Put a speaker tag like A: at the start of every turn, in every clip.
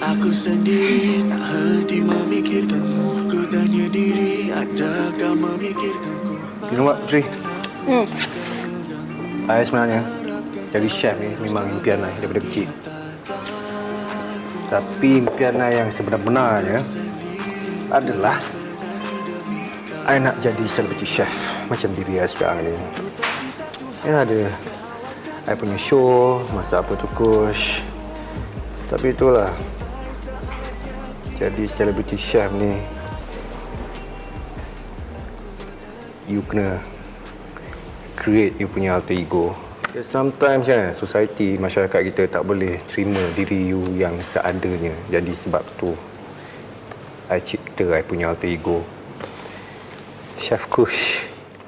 A: Aku sendiri tak henti memikirkanmu. Ku tanya diri, adakah memikirkanku?
B: You know what, Putri? I sebenarnya jadi chef ni memang impian I daripada kecil. Tapi impian I yang sebenar-benarnya adalah I nak jadi celebrity chef macam diri I sekarang ni. Ya, ada I punya show, masak apa tu Kush. Tapi itulah, jadi celebrity chef ni you kena create you punya alter ego. Sometimes kan, society, masyarakat kita tak boleh terima diri you yang seadanya. Jadi sebab tu I cipta I punya alter ego, Chef Kush.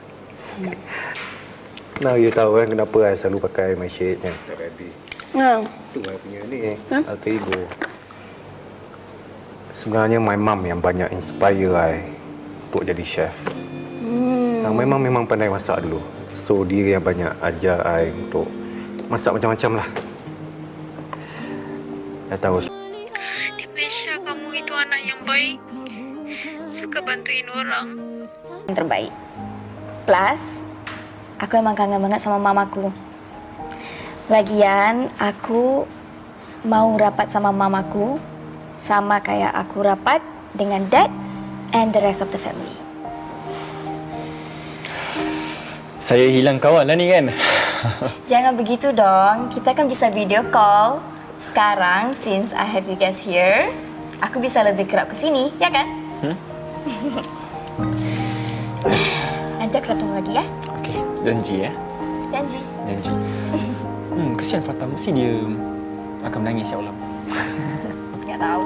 B: Now you tahu kan kenapa I selalu pakai my shades kan. Tak rabbit. Itu I punya ni, alter ego. Sebenarnya my mum yang banyak inspire I untuk jadi chef. My mum memang pandai masak dulu. So dia yang banyak ajar I untuk masak macam-macam lah. I tahu.
C: Dipersha, kamu itu anak yang baik. Suka bantuin orang.
D: Yang terbaik. Plus, aku emang kangen banget sama mamaku. Lagian, aku mau rapat sama mamaku sama kayak aku rapat dengan dad and the rest of the family.
E: Saya hilang kawan lah ni kan.
D: Jangan begitu dong. Kita kan bisa video call. Sekarang, since I have you guys here, aku bisa lebih kerap ke sini, ya kan? Nanti aku datang lagi ya.
E: Okey, janji ya.
D: Janji.
E: Janji. Kesian Fatah, mesti dia akan menangis ya Allah.
D: Tak tahu.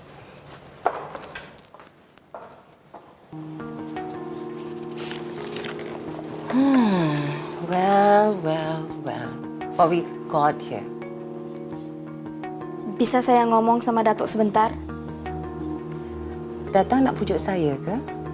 F: Well. What we got here?
D: Bisa saya ngomong sama Datuk sebentar?
F: Datang nak pujuk saya ke?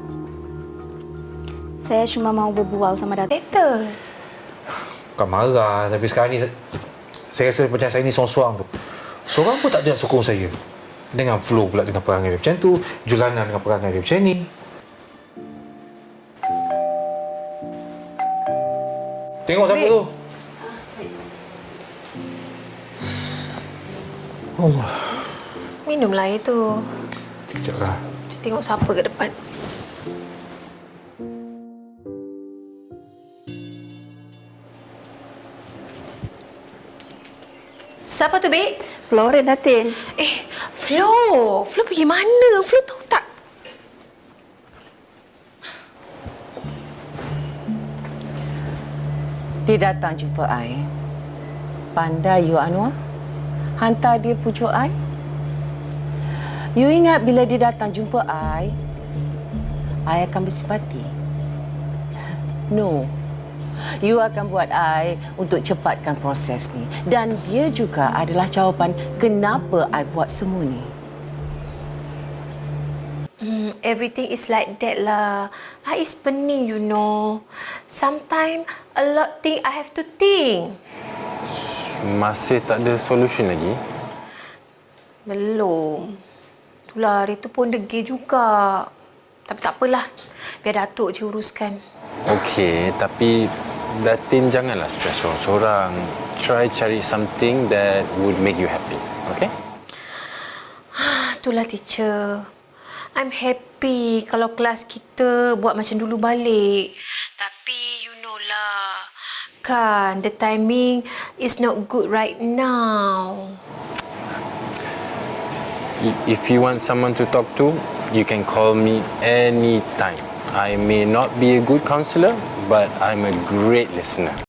D: Saya cuma mau berbual sama Datuk. Later.
G: Bukan marah, tapi sekarang ni saya rasa macam saya ni sorang-sorang tu. Seorang pun tak ada nak sokong saya. Dengan flow pula dengan perangai dia macam tu, Julana dengan perangai dia macam ni. Tengok siapa tu? Allah.
C: Minumlah itu.
G: Sekejap lah.
C: Tengok siapa ke depan. Siapa tu, Bek?
D: Flora Datin.
C: Flo. Flo pergi mana? Flo tahu tak?
F: Dia datang jumpa I. Pandai you, Anwar. Hantar dia pujuk I. You ingat bila dia datang jumpa I akan bersimpati? No. You akan buat I untuk cepatkan proses ni. Dan dia juga adalah jawapan kenapa I buat semua ni.
C: Everything is like that lah. I is pening, you know. Sometimes a lot thing I have to think.
H: Masih tak ada solution lagi?
C: Belum. Itulah, hari tu pun degil juga. Tapi tak apalah. Biar Datuk je uruskan.
H: Okey, tapi Datin janganlah stres sorang-sorang. Try cari something that would make you happy. Okay?
C: Itulah, teacher. I'm happy kalau kelas kita buat macam dulu balik. Tapi you know lah, kan the timing is not good right now.
H: If you want someone to talk to, you can call me anytime. I may not be a good counselor, but I'm a great listener.